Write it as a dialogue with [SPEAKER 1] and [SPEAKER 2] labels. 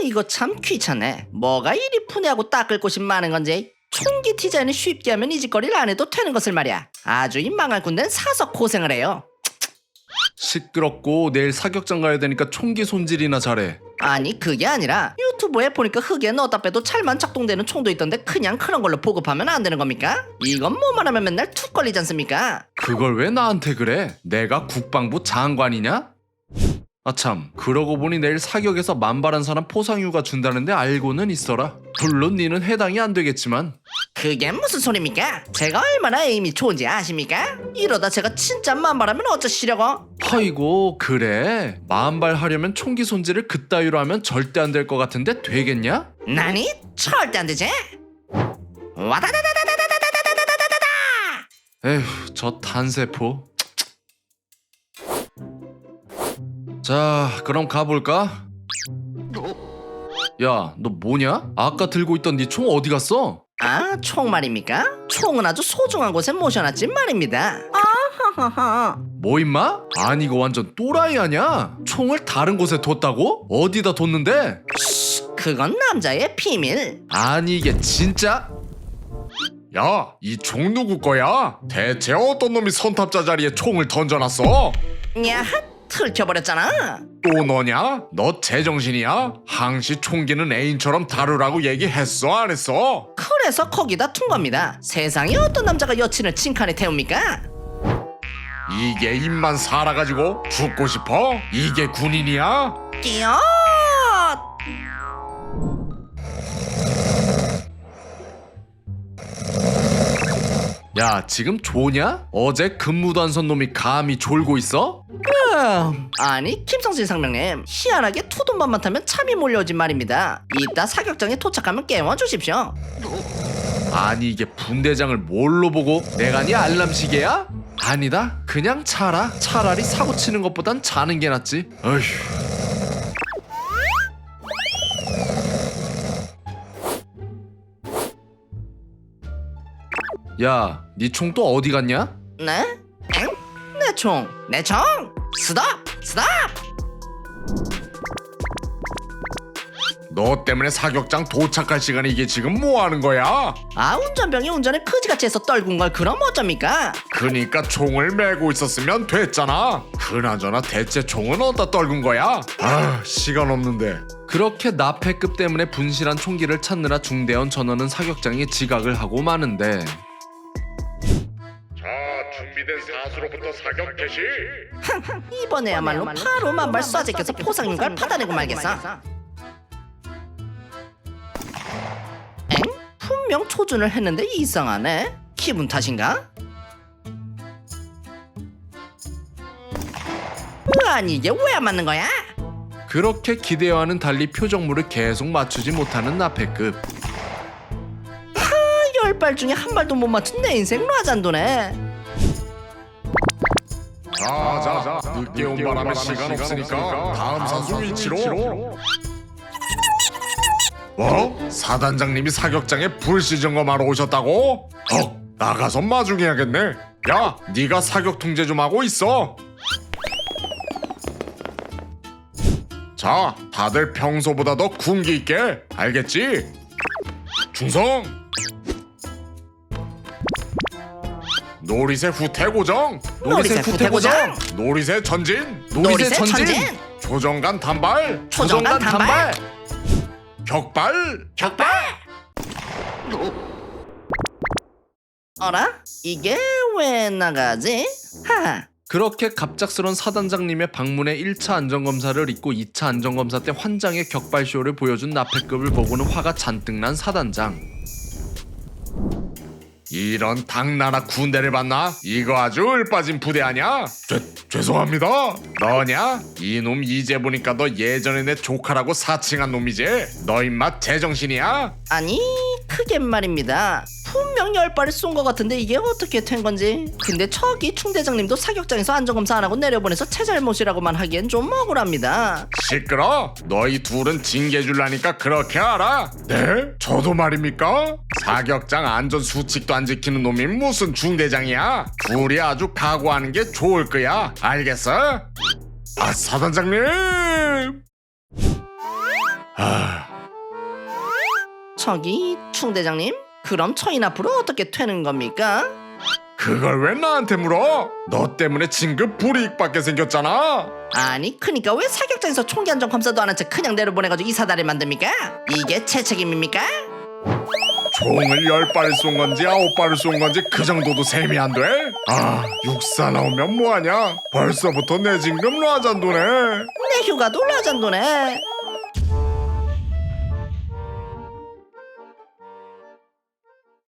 [SPEAKER 1] 이거 참 귀찮네. 뭐가 이리 푸냐고 닦을 곳이 많은 건지. 총기 디자인을 쉽게 하면 이 짓거리를 안 해도 되는 것을 말이야. 아주 이 망할 군대는 사서 고생을 해요.
[SPEAKER 2] 시끄럽고 내일 사격장 가야 되니까 총기 손질이나 잘해.
[SPEAKER 1] 아니 그게 아니라 유튜브에 보니까 흙에 넣었다 빼도 잘만 작동되는 총도 있던데 그냥 그런 걸로 보급하면 안 되는 겁니까? 이건 뭐만 하면 맨날 툭 걸리지 않습니까?
[SPEAKER 2] 그걸 왜 나한테 그래? 내가 국방부 장관이냐? 아참, 그러고 보니 내일 사격에서 만발한 사람 포상휴가 준다는데 알고는 있어라. 물론 니는 해당이 안 되겠지만.
[SPEAKER 1] 그게 무슨 소리입니까? 제가 얼마나 에임이 좋은지 아십니까? 이러다 제가 진짜 만발하면 어쩌시려고?
[SPEAKER 2] 아이고, 그래? 만발 하려면 총기 손질을 그따위로 하면 절대 안 될 것 같은데 되겠냐?
[SPEAKER 1] 나니? 절대 안 되지? 와다다다다다다다다다다다다다다!
[SPEAKER 2] 에휴, 저 탄세포. 자, 그럼 가볼까? 야, 너 뭐냐? 아까 들고 있던 네 총 어디 갔어?
[SPEAKER 1] 아, 총 말입니까? 총은 아주 소중한 곳에 모셔놨지 말입니다. 아하하하.
[SPEAKER 2] 뭐 임마? 아니 이거 완전 또라이 아냐? 총을 다른 곳에 뒀다고? 어디다 뒀는데?
[SPEAKER 1] 그건 남자의 비밀.
[SPEAKER 2] 아니 이게 진짜?
[SPEAKER 3] 야, 이 총 누구 거야? 대체 어떤 놈이 선탑자 자리에 총을 던져놨어?
[SPEAKER 1] 야, 들켜버렸잖아.
[SPEAKER 3] 또 너냐? 너 제정신이야? 항시 총기는 애인처럼 다루라고 얘기했어 안 했어?
[SPEAKER 1] 그래서 거기다 둔 겁니다. 세상에 어떤 남자가 여친을 칭칸에 태웁니까?
[SPEAKER 3] 이게 입만 살아가지고 죽고 싶어? 이게 군인이야?
[SPEAKER 1] 끼어!
[SPEAKER 2] 야 지금 조냐? 어제 근무도 안 선 놈이 감히 졸고 있어?
[SPEAKER 1] 아니 김성진 상병님, 희한하게 투돈만만 타면 참이 몰려오진 말입니다. 이따 사격장에 도착하면 깨워주십시오.
[SPEAKER 2] 아니 이게 분대장을 뭘로 보고 내가 네 알람시계야? 아니다 그냥 자라. 차라리 사고 치는 것보단 자는 게 낫지. 어휴. 야, 네 총 또 어디 갔냐?
[SPEAKER 1] 네? 엥? 내 총! 내 총! 스톱! 스톱!
[SPEAKER 3] 너 때문에 사격장 도착할 시간에 이게 지금 뭐 하는 거야?
[SPEAKER 1] 아, 운전병이 운전을 그지같이 해서 떨군 걸 그럼 어쩝니까?
[SPEAKER 3] 그니까 총을 메고 있었으면 됐잖아. 그나저나 대체 총은 어디다 떨군 거야? 아, 시간 없는데.
[SPEAKER 2] 그렇게 나패급 때문에 분실한 총기를 찾느라 중대원 전원은 사격장에 지각을 하고 마는데
[SPEAKER 3] 자, 준비된 사수로부터 사격 개시.
[SPEAKER 1] 이번에야말로 바로 만발 쏴제껴서 포상인걸 받아내고 말겠어. 엥? 분명 초준을 했는데 이상하네. 기분 탓인가? 아니 이게 왜 안 맞는 거야?
[SPEAKER 2] 그렇게 기대와는 달리 표적물을 계속 맞추지 못하는 나패급.
[SPEAKER 1] 10발 중에 한 발도 못 맞춘 내 인생 라잔도네.
[SPEAKER 3] 자, 늦게 온 바람에 시간 없으니까 다음 선수 위치로. 뭐? 사단장님이 사격장에 불시 점검하러 오셨다고? 나가서 마중해야겠네. 야, 네가 사격 통제 좀 하고 있어. 자, 다들 평소보다 더 군기 있게. 알겠지? 충성! 노리새 후퇴 고정!
[SPEAKER 1] 노리새 후퇴 고정!
[SPEAKER 3] 노리새 전진!
[SPEAKER 1] 노리새 전진!
[SPEAKER 3] 조정간 단발!
[SPEAKER 1] 초정간 단발!
[SPEAKER 3] 격발!
[SPEAKER 1] 격발! 어라? 이게 왜 나가지? 하하.
[SPEAKER 2] 그렇게 갑작스런 사단장님의 방문에 1차 안전검사를 잊고 2차 안전검사 때 환장의 격발쇼를 보여준 나패급을 보고는 화가 잔뜩 난 사단장.
[SPEAKER 3] 이런 당나라 군대를 봤나? 이거 아주 을빠진 부대 아냐? 죄송합니다. 너냐? 이놈 이제 보니까 너 예전에 내 조카라고 사칭한 놈이지? 너 임마 제정신이야?
[SPEAKER 1] 아니 그게 말입니다. 분명 10발을 쏜 것 같은데 이게 어떻게 된 건지. 근데 저기 충대장님도 사격장에서 안전검사 안 하고 내려보내서 제 잘못이라고만 하기엔 좀 억울합니다.
[SPEAKER 3] 시끄러? 너희 둘은 징계 줄라니까 그렇게 알아? 네? 저도 말입니까? 사격장 안전 수칙도 안 지키는 놈이 무슨 중대장이야? 둘이 아주 각오하는 게 좋을 거야. 알겠어? 아, 사단장님!
[SPEAKER 1] 저기 충대장님, 그럼 저희 앞으로 어떻게 되는 겁니까?
[SPEAKER 3] 그걸 왜 나한테 물어? 너 때문에 진급 불이익받게 생겼잖아.
[SPEAKER 1] 아니 그니까 왜 사격장에서 총기 안전 검사도 안 한 채 그냥 내려보내가지고 이사다를 만듭니까? 이게 제 책임입니까?
[SPEAKER 3] 총을 10발을 쏜 건지 9발을 쏜 건지 그 정도도 셈이 안 돼? 육사 나오면 뭐하냐? 벌써부터 내 진급 라잔도네.
[SPEAKER 1] 내 휴가도 라잔도네.